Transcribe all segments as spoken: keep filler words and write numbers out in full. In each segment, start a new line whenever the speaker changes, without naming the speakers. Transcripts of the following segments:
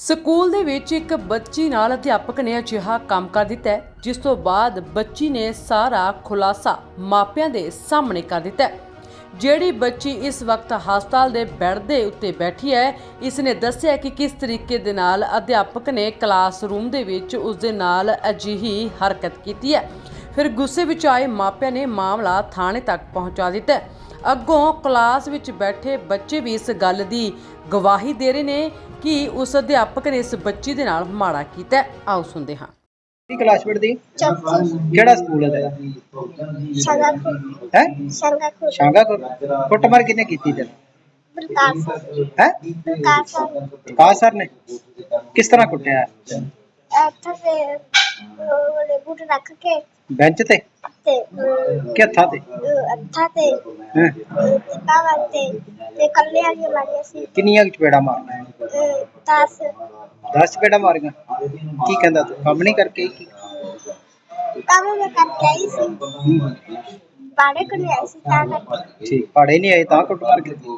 School ਦੇ ਵਿੱਚ ਇੱਕ ਬੱਚੀ ਨਾਲ ਅਧਿਆਪਕ ਨੇ ਅਜਿਹਾ ਕੰਮ ਕਰ ਦਿੱਤਾ ਹੈ, ਜਿਸ ਤੋਂ ਬਾਅਦ ਬੱਚੀ ਨੇ ਸਾਰਾ ਖੁਲਾਸਾ ਮਾਪਿਆਂ ਦੇ ਸਾਹਮਣੇ ਕਰ ਦਿੱਤਾ ਹੈ। ਜਿਹੜੀ ਬੱਚੀ ਇਸ ਵਕਤ ਹਸਪਤਾਲ ਦੇ ਬੈੱਡ ਦੇ ਉੱਤੇ ਬੈਠੀ ਹੈ, ਇਸ ਨੇ ਦੱਸਿਆ ਕਿ ਕਿਸ ਤਰੀਕੇ ਦੇ ਨਾਲ ਅਧਿਆਪਕ ਨੇ ਕਲਾਸਰੂਮ ਦੇ ਵਿੱਚ ਉਸ ਦੇ ਨਾਲ ਅਜਿਹੀ ਹਰਕਤ ਕੀਤੀ ਹੈ। ਫਿਰ ਗੁੱਸੇ ਵਿੱਚ ਆਏ ਮਾਪਿਆਂ ਨੇ ਮਾਮਲਾ ਥਾਣੇ ਤੱਕ ਪਹੁੰਚਾ ਦਿੱਤਾ ਹੈ। ਅੱਗੋਂ ਕਲਾਸ ਵਿੱਚ ਬੈਠੇ ਬੱਚੇ ਵੀ ਇਸ ਗੱਲ ਦੀ ਗਵਾਹੀ ਦੇ ਰਹੇ ਨੇ ਕਿ ਉਸ ਅਧਿਆਪਕ ਨੇ ਇਸ ਬੱਚੀ ਦੇ ਨਾਲ ਮਾੜਾ ਕੀਤਾ ਹੈ। ਆਓ ਸੁਣਦੇ ਹਾਂ।
ਕਿਹੜੀ ਕਲਾਸ ਪੜ੍ਹਦੀ?
ਚੌਥੀ।
ਕਿਹੜਾ ਸਕੂਲ ਹੈ ਤੇਰਾ?
ਸੰਗਾਪੁਰ।
ਹੈ
ਸੰਗਾਪੁਰ।
ਸ਼ਾਂਗਾਪੁਰ। ਕੁੱਟਮਾਰ ਕਿਹਨੇ ਕੀਤੀ ਤੈਨੂੰ?
ਪ੍ਰਕਾਸ਼ ਸਰ।
ਹੈ
ਪ੍ਰਕਾਸ਼ ਸਰ।
ਪ੍ਰਕਾਸ਼ ਸਰ ਨੇ ਕਿਸ ਤਰ੍ਹਾਂ ਕੁੱਟਿਆ?
ਇੱਥੇ ਤੇ ਉਹਨੇ ਬੂਟ ਰੱਖ ਕੇ
ਬੈਂਚ ਤੇ
ਤੇ
ਕਿ ਹੱਥਾਂ ਤੇ?
ਅੱਥਾ ਤੇ
ਹੈਂ?
ਕਾਵਾ ਤੇ ਤੇ ਕੱਲੇ ਵਾਲੀ ਮਾਰੀ ਸੀ
ਕਿੰਨੀਆਂ ਕੁ ਚਪੇੜਾਂ ਮਾਰੀਆਂ?
ਦਸ
ਦਸ ਚਪੇੜਾਂ ਮਾਰੀਆਂ। ਕੀ ਕਹਿੰਦਾ ਤੂੰ ਕੰਮ ਨਹੀਂ ਕਰਕੇ ਆਈ ਕੀ?
ਕੰਮ ਮੈਂ ਕਰਕੇ ਆਈ ਸੀ,
ਹੂੰ,
ਬਾੜੇ ਕੋਲ ਆਈ ਸੀ ਤਾਂ ਕਰਕੇ।
ਠੀਕ ਪੜ੍ਹੇ ਨਹੀਂ ਆਏ ਤਾਂ ਕੁੱਟਮਾਰ ਕੀਤੀ?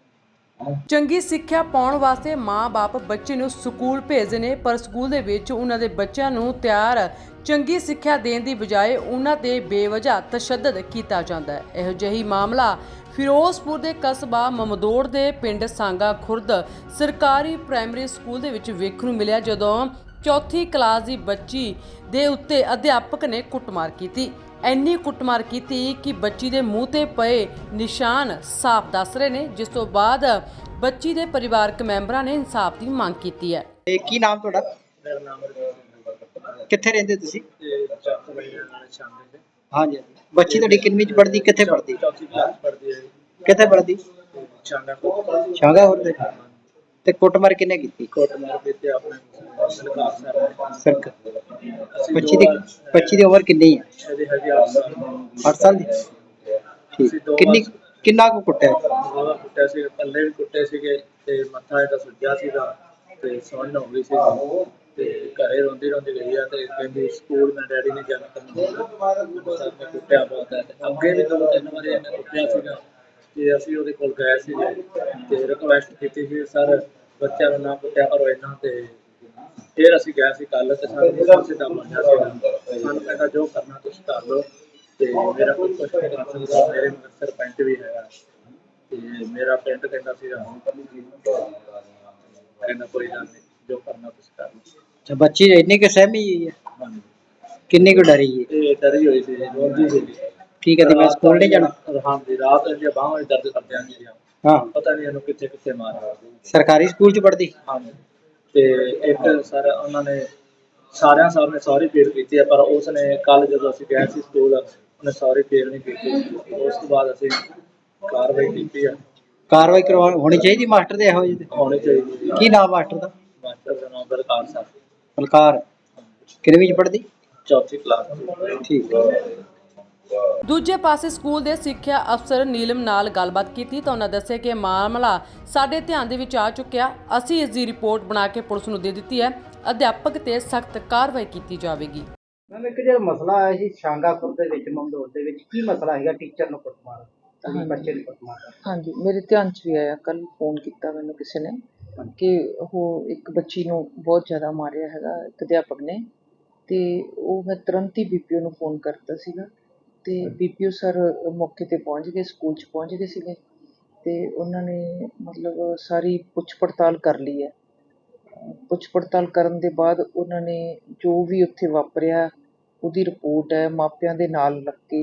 ਚੰਗੀ ਸਿੱਖਿਆ ਪਾਉਣ ਵਾਸਤੇ ਮਾਂ-ਬਾਪ ਬੱਚੇ ਨੂੰ ਸਕੂਲ ਭੇਜਦੇ ਨੇ, ਪਰ ਸਕੂਲ ਦੇ ਵਿੱਚ ਉਹਨਾਂ ਦੇ ਬੱਚਿਆਂ ਨੂੰ ਤਿਆਰ ਚੰਗੀ ਸਿੱਖਿਆ ਦੇਣ ਦੀ ਬਜਾਏ ਉਹਨਾਂ ਤੇ ਬੇਵਜ੍ਹਾ ਤਸ਼ੱਦਦ ਕੀਤਾ ਜਾਂਦਾ ਹੈ। ਇਹੋ ਜਿਹੀ ਮਾਮਲਾ ਫਿਰੋਜ਼ਪੁਰ ਦੇ ਕਸਬਾ ਮਮਦੋੜ ਦੇ ਪਿੰਡ ਸਾਂਗਾ ਖੁਰਦ ਸਰਕਾਰੀ ਪ੍ਰਾਇਮਰੀ ਸਕੂਲ ਦੇ ਵਿੱਚ ਵੇਖਣ ਨੂੰ ਮਿਲਿਆ, ਜਦੋਂ ਚੌਥੀ ਕਲਾਸ ਦੀ ਬੱਚੀ ਦੇ ਉੱਤੇ ਅਧਿਆਪਕ ਨੇ ਕੁੱਟਮਾਰ ਕੀਤੀ। ਇੰਨੀ ਕੁੱਟਮਾਰ ਕੀਤੀ ਕਿ ਬੱਚੀ ਦੇ ਮੂੰਹ ਤੇ ਪਏ ਨਿਸ਼ਾਨ ਸਾਫ਼ ਦੱਸ ਰਹੇ ਨੇ, ਜਿਸ ਤੋਂ ਬਾਅਦ ਬੱਚੀ ਦੇ ਪਰਿਵਾਰਕ ਮੈਂਬਰਾਂ ਨੇ ਇਨਸਾਫ ਦੀ ਮੰਗ ਕੀਤੀ ਹੈ।
ਇਹ ਕੀ ਨਾਮ ਤੁਹਾਡਾ?
ਮੇਰਾ ਨਾਮ
ਕਿੱਥੇ ਰਹਿੰਦੇ ਤੁਸੀਂ?
ਚੱਕ ਬਈ ਨਾਲ ਸ਼ਾਮਲ ਦੇ
ਹਾਂਜੀ ਬੱਚੀ ਤੁਹਾਡੀ ਕਿੰਨੀ ਚ ਪੜ੍ਹਦੀ? ਕਿੱਥੇ ਪੜ੍ਹਦੀ?
ਚੌਥੀ ਕਲਾਸ ਪੜ੍ਹਦੀ ਹੈ।
ਕਿੱਥੇ ਪੜ੍ਹਦੀ?
ਚਾਂਗਾ ਕੋਟ
ਸ਼ਾਂਗਾਪੁਰ ਦੇ। ਤੇ ਕੁੱਟਮਾਰ ਕਿਹਨੇ ਕੀਤੀ?
ਕੋਟ ਮਾਰ ਦਿੱਤੇ ਆਪਣੇ ਸਰਕਾਰ ਸਾਹਿਬ
ਸਰਕ ਬੱਚੀ ਦੀ ਬੱਚੀ ਦੀ ਉਮਰ ਕਿੰਨੀ ਹੈ?
ਇਹਦੇ ਹਜੇ ਅੱਠ ਸਾਲ
ਅੱਠ ਸਾਲ ਦੀ। ਠੀਕ ਕਿੰਨੀ ਕਿੰਨਾ ਕੁ ਕੁੱਟਿਆ?
ਉਹਦਾ ਕੁੱਟਿਆ ਸੀ, ਪੱਲੇ ਵੀ ਕੁੱਟੇ ਸੀਗੇ ਤੇ ਮੱਥਾ ਇਹਦਾ ਸੁੱਜਿਆ ਸੀਗਾ ਤੇ ਸੌਣ ਹੋ ਗਈ ਸੀ ਤੇ ਘਰੇ ਰੋਂਦੀ ਰੋਂਦੀ ਗਈ ਆ ਤੇ ਕਹਿੰਦੀ ਸਕੂਲ ਮੈਂ ਡੈਡੀ ਨੇ ਜਾਣਾ ਕਰਨਾ। ਸਰ ਨੇ ਕੁੱਟਿਆ ਬਹੁਤ ਹੈ। ਅੱਗੇ ਵੀ ਦੋ ਤਿੰਨ ਵਾਰੀ ਇਹਨੇ ਕੁੱਟਿਆ ਸੀਗਾ ਤੇ ਅਸੀਂ ਉਹਦੇ ਕੋਲ ਗਏ ਸੀਗੇ ਤੇ ਰਿਕੁਐਸਟ ਕੀਤੀ ਸੀ ਸਰ ਬੱਚਿਆਂ ਨੂੰ ਨਾ ਕੁੱਟਿਆ ਕਰੋ ਇਹਨਾਂ ਤੇ। ਫਿਰ ਅਸੀਂ ਗਏ ਸੀ ਕੱਲ ਤੇ ਸਾਨੂੰ ਸਿੱਧਾ ਮੰਨਿਆ ਸੀਗਾ, ਸਾਨੂੰ ਕਹਿੰਦਾ ਜੋ ਕਰਨਾ ਤੁਸੀਂ ਕਰ ਲਓ ਤੇ ਮੇਰਾ ਕੋਈ ਕੁਛ ਨਹੀਂ ਕਰ ਸਕਦਾ, ਮੇਰੇ ਮਗਰ ਸਰਪੰਚ ਵੀ ਹੈਗਾ ਤੇ ਮੇਰਾ ਪਿੰਡ ਕਹਿੰਦਾ ਸੀਗਾ ਕਹਿੰਦਾ ਕੋਈ ਗੱਲ ਨਹੀਂ ਜੋ ਕਰਨਾ ਤੁਸੀਂ ਕਰ ਲਓ।
ਅੱਛਾ ਬੱਚੀ ਇੰਨੀ ਕਿ ਸਹਿਮੀ ਹੋਈ ਹੈ?
ਹਾਂਜੀ
ਕਿੰਨੀ ਕੁ ਡਰੀ ਹੈ?
ਇਹ ਡਰੀ ਹੋਈ ਸੀ, ਰੋਂਦੀ ਸੀ।
ਕੀ ਕਹਿੰਦੀ ਮੈਂ ਸਕੂਲ ਨਹੀਂ ਜਾਣਾ?
ਹਾਂਜੀ ਰਾਤ ਇਹਦੀਆਂ ਬਾਹਾਂ ਵਿੱਚ ਦਰਦ ਕਰਦਿਆਂ ਸੀ,
ਹਾਂ
ਪਤਾ ਨਹੀਂ ਇਹਨੂੰ ਕਿੱਥੇ ਕਿੱਥੇ ਮਾਰਿਆ।
ਸਰਕਾਰੀ ਸਕੂਲ ਚ ਪੜ੍ਹਦੀ?
ਹਾਂਜੀ ਤੇ ਇੱਕ ਸਰ ਉਹਨਾਂ ਨੇ ਸਾਰਿਆਂ ਸਰ ਨੇ ਸੌਰੀ ਫੀਲ ਕੀਤੀ ਹੈ, ਪਰ ਉਸ ਨੇ ਕੱਲ ਜਦੋਂ ਅਸੀਂ ਗਏ ਸੀ ਸਕੂਲ ਉਹਨੇ ਸੌਰੀ ਫੀਲ ਨਹੀਂ ਕੀਤੀ। ਉਸ ਤੋਂ ਬਾਅਦ ਅਸੀਂ ਕਾਰਵਾਈ ਕੀਤੀ ਆ।
ਕਾਰਵਾਈ ਕਰਵਾ ਹੋਣੀ ਚਾਹੀਦੀ ਮਾਸਟਰ ਦੇ ਇਹੋ ਜਿਹੇ?
ਹੋਣੀ ਚਾਹੀਦੀ ਸੀ।
ਕੀ ਨਾਮ ਮਾਸਟਰ ਦਾ?
ਮਾਸਟਰ ਦਾ ਨਾਮ ਬਲਕਾਰ ਸਰ।
ਬਲਕਾਰ। ਕਿੰਨਵੀਂ ਚ ਪੜ੍ਹਦੀ?
ਚੌਥੀ ਕਲਾਸ।
ਠੀਕ।
ਦੂਜੇ ਪਾਸੇ ਸਕੂਲ ਦੇ ਸਿੱਖਿਆ ਅਫਸਰ ਨੀਲਮ ਨਾਲ ਗੱਲਬਾਤ ਕੀਤੀ ਤਾਂ ਉਹਨਾਂ ਦੱਸਿਆ ਕਿ ਮਾਮਲਾ ਸਾਡੇ ਧਿਆਨ ਦੇ ਵਿੱਚ ਆ ਚੁੱਕਿਆ, ਅਸੀਂ ਇਸ ਦੀ ਰਿਪੋਰਟ ਬਣਾ ਕੇ ਪੁਲਿਸ ਨੂੰ ਦੇ ਦਿੱਤੀ ਹੈ, ਅਧਿਆਪਕ ਤੇ ਸਖਤ ਕਾਰਵਾਈ ਕੀਤੀ ਜਾਵੇਗੀ।
ਮੈਮ ਇੱਕ ਜਿਹੜਾ ਮਸਲਾ ਆਇਆ ਸੀ ਸ਼ਾਂਗਾਪੁਰ ਦੇ ਵਿੱਚ ਮਮਦੋੜ ਦੇ ਵਿੱਚ, ਕੀ ਮਸਲਾ ਹੈਗਾ? ਟੀਚਰ ਨੂੰ ਕੁੱਟਮਾਰ, ਬੱਚੇ ਨੂੰ ਕੁੱਟਮਾਰ।
ਹਾਂਜੀ ਮੇਰੇ ਧਿਆਨ 'ਚ ਵੀ ਆਇਆ, ਕੱਲ ਫੋਨ ਕੀਤਾ ਮੈਨੂੰ ਕਿਸੇ ਨੇ ਕਿ ਉਹ ਇੱਕ ਬੱਚੀ ਨੂੰ ਬਹੁਤ ਜ਼ਿਆਦਾ ਮਾਰਿਆ ਹੈਗਾ ਇੱਕ ਅਧਿਆਪਕ ਨੇ, ਤੇ ਉਹ ਮੈਂ ਤੁਰੰਤ ਹੀ ਬੀ ਪੀ ਓ ਨੂੰ ਫੋਨ ਕਰਤਾ ਸੀਗਾ ਤੇ ਬੀ ਪੀ ਓ ਸਰ ਮੌਕੇ 'ਤੇ ਪਹੁੰਚ ਗਏ, ਸਕੂਲ 'ਚ ਪਹੁੰਚ ਗਏ ਸੀਗੇ ਤੇ ਉਹਨਾਂ ਨੇ ਮਤਲਬ ਸਾਰੀ ਪੁੱਛ ਪੜਤਾਲ ਕਰ ਲਈ ਹੈ। ਪੁੱਛ ਪੜਤਾਲ ਕਰਨ ਦੇ ਬਾਅਦ ਉਹਨਾਂ ਨੇ ਜੋ ਵੀ ਉੱਥੇ ਵਾਪਰਿਆ ਉਹਦੀ ਰਿਪੋਰਟ ਹੈ ਮਾਪਿਆਂ ਦੇ ਨਾਲ ਲੱਗ ਕੇ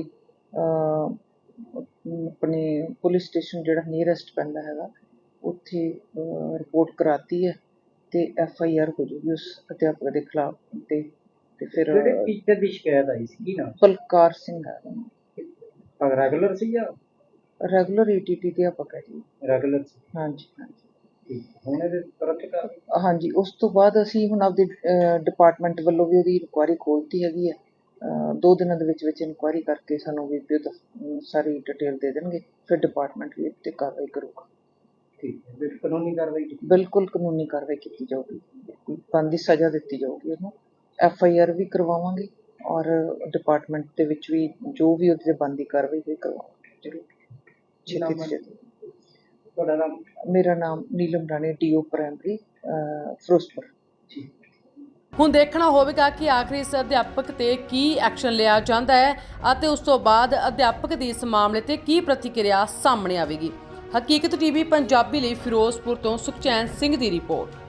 ਆਪਣੇ ਪੁਲਿਸ ਸਟੇਸ਼ਨ ਜਿਹੜਾ ਨੀਅਰੈਸਟ ਪੈਂਦਾ ਹੈਗਾ ਉੱਥੇ ਰਿਪੋਰਟ ਕਰਾਤੀ ਹੈ ਤੇ ਐਫ ਆਈ ਆਰ ਹੋ ਜੂਗੀ ਉਸ ਅਧਿਆਪਕ ਦੇ ਖਿਲਾਫ। ਤੇ ਤੇ ਫਿਰ
ਜਿਹੜੇ ਟੀਚਰ ਦੀ ਸ਼ਿਕਾਇਤ ਆਈ ਸੀ ਕੀ ਨਾਮ?
ਬਲਕਾਰ ਸਿੰਘ ਹੈ।
ਰੈਗੂਲਰ ਸੀ ਜਾਂ?
ਰੈਗੂਲਰ ਈ ਟੀ ਟੀ ਅਧਿਆਪਕ ਹੈ ਜੀ।
ਰੈਗੂਲਰ ਸੀ।
ਹਾਂਜੀ ਹਾਂਜੀ।
ਹੁਣ ਇਹਦੇ ਤੁਰੰਤ ਕਰ?
ਹਾਂਜੀ ਉਸ ਤੋਂ ਬਾਅਦ ਅਸੀਂ ਹੁਣ ਆਪਦੇ ਡਿਪਾਰਟਮੈਂਟ ਵੱਲੋਂ ਵੀ ਉਹਦੀ ਇਨਕੁਆਇਰੀ ਖੋਲ੍ਹਤੀ ਹੈਗੀ ਹੈ। ਦੋ ਦਿਨਾਂ ਦੇ ਵਿੱਚ ਵਿੱਚ ਇਨਕੁਆਇਰੀ ਕਰਕੇ ਸਾਨੂੰ ਵੀ ਸਾਰੀ ਡਿਟੇਲ ਦੇ ਦੇਣਗੇ, ਫਿਰ ਡਿਪਾਰਟਮੈਂਟ ਵੀ ਉੱਤੇ ਕਾਰਵਾਈ ਕਰੂਗਾ।
ਠੀਕ ਹੈ, ਕਾਨੂੰਨੀ ਕਾਰਵਾਈ?
ਬਿਲਕੁਲ ਕਾਨੂੰਨੀ ਕਾਰਵਾਈ ਕੀਤੀ ਜਾਊਗੀ, ਬਣਦੀ ਸਜ਼ਾ ਦਿੱਤੀ ਜਾਊਗੀ ਉਹਨੂੰ। ਐਫ ਆਈ ਆਰ ਵੀ ਕਰਵਾਵਾਂਗੇ ਔਰ ਡਿਪਾਰਟਮੈਂਟ ਦੇ ਵਿੱਚ ਵੀ ਜੋ ਵੀ ਉਹਦੇ 'ਤੇ ਬਣਦੀ ਕਾਰਵਾਈ ਹੋਈ ਕਰਵਾਵਾਂਗੇ ਜ਼ਰੂਰ।
ਤੁਹਾਡਾ ਨਾਮ?
ਮੇਰਾ ਨਾਮ ਨੀਲਮ ਰਾਣੀ, ਡੀਓ ਪ੍ਰਾਇਮਰੀ ਅਹ, ਫਿਰੋਜ਼ਪੁਰ।
ਹੁਣ ਦੇਖਣਾ ਹੋਵੇਗਾ ਕਿ ਆਖਰ ਇਸ ਅਧਿਆਪਕ ਤੇ ਕੀ ਐਕਸ਼ਨ ਲਿਆ ਜਾਂਦਾ ਹੈ ਅਤੇ ਉਸ ਤੋਂ ਬਾਅਦ ਅਧਿਆਪਕ ਦੀ ਇਸ ਮਾਮਲੇ ਤੇ ਕੀ ਪ੍ਰਤੀਕਿਰਿਆ ਸਾਹਮਣੇ ਆਵੇਗੀ। ਹਕੀਕਤ ਟੀਵੀ ਪੰਜਾਬੀ ਲਈ ਫਿਰੋਜ਼ਪੁਰ ਤੋਂ ਸੁਖਚੈਨ ਸਿੰਘ ਦੀ ਰਿਪੋਰਟ।